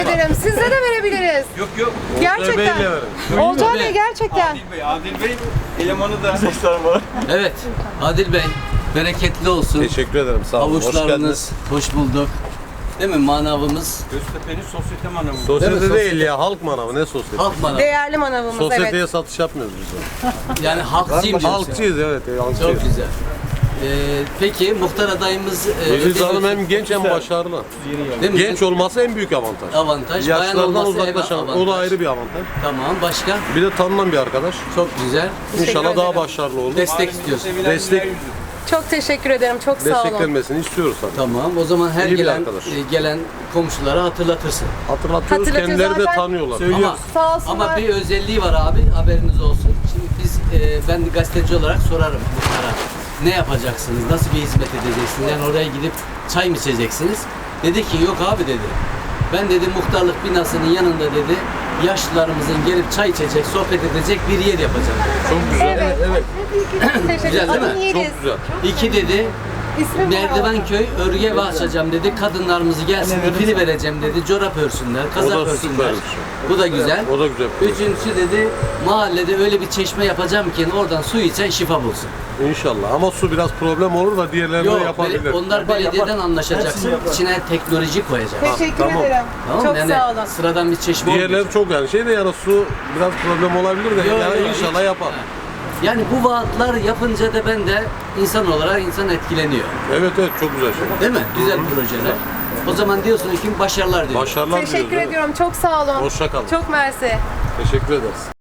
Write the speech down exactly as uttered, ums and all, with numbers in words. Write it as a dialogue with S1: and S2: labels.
S1: ederim. Size de verebiliriz.
S2: Yok yok.
S1: Gerçekten. Olcay Bey gerçekten.
S2: Adil Bey, Adil Bey elemanı da var.
S3: Evet, Adil Bey, bereketli olsun.
S4: Teşekkür ederim. Sağ olun. Hoş
S3: Avuçlarınız,
S4: geldiniz.
S3: hoş bulduk. Değil mi manavımız?
S2: Göztepe'nin sosyete manavı.
S3: Değil
S4: Sosyete
S3: mi?
S4: değil
S3: Sosyete.
S4: ya. Halk manavı. Ne sosyete?
S3: Halk manavı.
S1: Değerli manavımız
S4: Sosyeteye
S1: evet.
S4: satış yapmıyoruz biz.
S3: Yani halkçıyım diyorsun.
S4: Halkçıyız evet. Halkçıyız.
S3: Çok güzel. Ee, peki muhtar adayımız e,
S4: Aziz
S3: ödül-
S4: Hanım hem genç hem başarılı.
S3: Değil mi?
S4: Genç olması en büyük avantaj.
S3: Avantaj. Bayan
S4: Yaşlardan
S3: olması
S4: uzaklaşan.
S3: evet,
S4: O da
S3: avantaj.
S4: ayrı bir avantaj.
S3: Tamam, başka?
S4: Bir de tanınan bir arkadaş.
S3: Çok güzel.
S4: İnşallah daha
S1: ederim.
S4: başarılı olur.
S3: Destek istiyorsun.
S4: Destek
S1: Çok teşekkür ederim. Çok sağ olun.
S4: desteklenmesini istiyoruz tabii.
S3: Tamam, o zaman her
S4: İyi bir
S3: gelen
S4: arkadaş.
S3: e, gelen komşulara hatırlatırsın.
S4: Hatırlatıyoruz.
S1: Hatırlatıyoruz
S4: Kendileri de
S1: zaten.
S4: tanıyorlar.
S3: Ama,
S1: Sağ olsunlar.
S3: ama bir özelliği var abi, haberiniz olsun. Şimdi biz, e, ben gazeteci olarak sorarım muhtara. Ne yapacaksınız, nasıl bir hizmet edeceksiniz? Yani oraya gidip çay mı içeceksiniz? Dedi ki yok abi dedi. Ben dedi muhtarlık binasının yanında dedi yaşlılarımızın gelip çay içecek, sohbet edecek bir yer yapacağım.
S4: Çok güzel.
S1: Evet.
S3: Evet.
S1: Teşekkür
S3: Güzel değil mi?
S1: ederim. Yeriz.
S4: Çok güzel.
S3: İki dedi,
S1: İsmim
S3: Merdivenköy örgü evi açacağım dedi. Kadınlarımızı gelsin ipini vereceğim dedi. Çorap örsünler,
S4: O
S3: kazak
S4: da
S3: örsünler.
S4: süper bir şey.
S3: Bu da güzel.
S4: O da güzel.
S3: Üçüncüsü dedi mahallede öyle bir çeşme yapacağım ki oradan su içen şifa bulsun.
S4: İnşallah. Ama su biraz problem olur da diğerlerini de
S3: Yok,
S4: yapabilir.
S3: bele- onlar belediyeden anlaşacaksın. İçine teknoloji koyacaksın.
S1: Teşekkür
S4: tamam.
S1: ederim.
S3: Tamam
S1: Çok
S3: yani
S1: sağ olun.
S3: sıradan bir çeşme
S4: Diğerleri
S3: olmayacak.
S4: çok yani şey de yani su biraz problem olabilir de
S3: Yok,
S4: yani
S3: yok,
S4: inşallah
S3: hiç.
S4: yapar.
S3: Ha. Yani bu vaatler yapınca da ben de insan olarak insan etkileniyor.
S4: Evet evet çok güzel şey.
S3: Değil mi? Güzel projeler. O zaman diyorsun ki başarılar diyor.
S4: Başarılar
S1: Teşekkür
S4: diliyoruz, evet.
S1: ediyorum. Çok sağ olun.
S4: Hoşça kalın.
S1: Çok mersi.
S4: Teşekkür ederiz.